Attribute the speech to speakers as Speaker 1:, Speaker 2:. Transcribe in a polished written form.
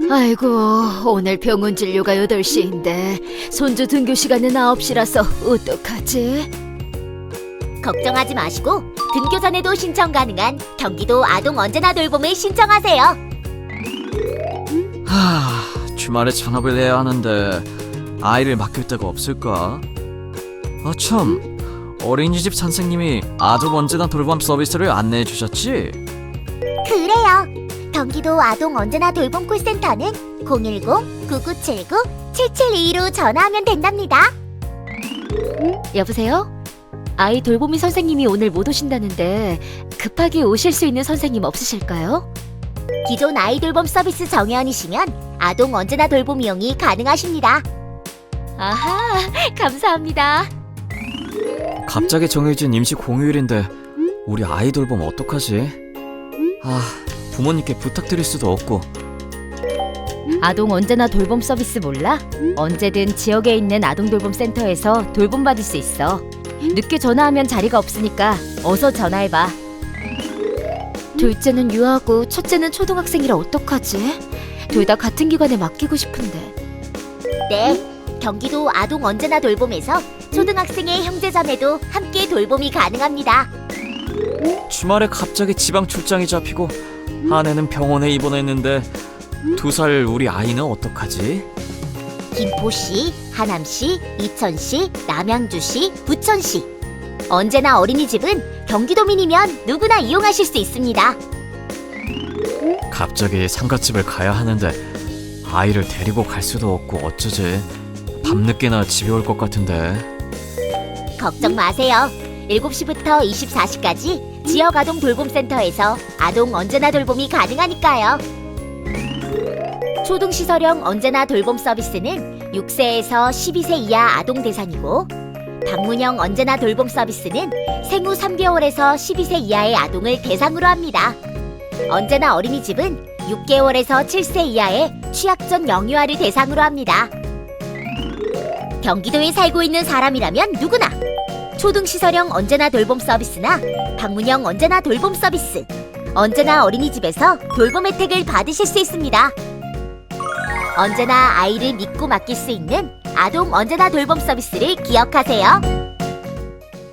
Speaker 1: 아이고, 오늘 병원 진료가 8시인데 손주 등교 시간은 9시라서 어떡하지?
Speaker 2: 걱정하지 마시고 등교 전에도 신청 가능한 경기도 아동 언제나 돌봄을 신청하세요.
Speaker 3: 주말에 전업을 해야 하는데 아이를 맡길 데가 없을까? 참, 어린이집 선생님이 아동 언제나 돌봄 서비스를 안내해 주셨지?
Speaker 2: 그래요. 경기도 아동 언제나 돌봄 콜센터는 010-9979-7722로 전화하면 된답니다.
Speaker 1: 여보세요? 아이 돌보미 선생님이 오늘 못 오신다는데 급하게 오실 수 있는 선생님 없으실까요?
Speaker 2: 기존 아이 돌봄 서비스 정회원이시면 아동 언제나 돌봄 이용이 가능하십니다.
Speaker 1: 아하, 감사합니다.
Speaker 3: 갑자기 정해진 임시 공휴일인데 우리 아이 돌봄 어떡하지? 부모님께 부탁드릴 수도 없고.
Speaker 1: 아동 언제나 돌봄 서비스 몰라? 언제든 지역에 있는 아동 돌봄 센터에서 돌봄 받을 수 있어. 늦게 전화하면 자리가 없으니까 어서 전화해봐. 둘째는 유아고 첫째는 초등학생이라 어떡하지? 둘 다 같은 기관에 맡기고 싶은데.
Speaker 2: 네, 경기도 아동 언제나 돌봄에서 초등학생의 형제자매도 함께 돌봄이 가능합니다.
Speaker 3: 주말에 갑자기 지방 출장이 잡히고 아내는 병원에 입원했는데 2살 우리 아이는 어떡하지?
Speaker 2: 김포시, 하남시, 이천시, 남양주시, 부천시. 언제나 어린이집은 경기도민이면 누구나 이용하실 수 있습니다.
Speaker 3: 갑자기 상가집을 가야 하는데 아이를 데리고 갈 수도 없고 어쩌지? 밤늦게나 집에 올 것 같은데.
Speaker 2: 걱정 마세요. 7시부터 24시까지 지역 아동 돌봄센터에서 아동 언제나 돌봄이 가능하니까요. 초등시설형 언제나 돌봄 서비스는 6세에서 12세 이하 아동 대상이고, 방문형 언제나 돌봄 서비스는 생후 3개월에서 12세 이하의 아동을 대상으로 합니다. 언제나 어린이집은 6개월에서 7세 이하의 취약전 영유아를 대상으로 합니다. 경기도에 살고 있는 사람이라면 누구나 초등시설형 언제나 돌봄 서비스나 방문형 언제나 돌봄 서비스, 언제나 어린이집에서 돌봄 혜택을 받으실 수 있습니다. 언제나 아이를 믿고 맡길 수 있는 아동 언제나 돌봄 서비스를 기억하세요.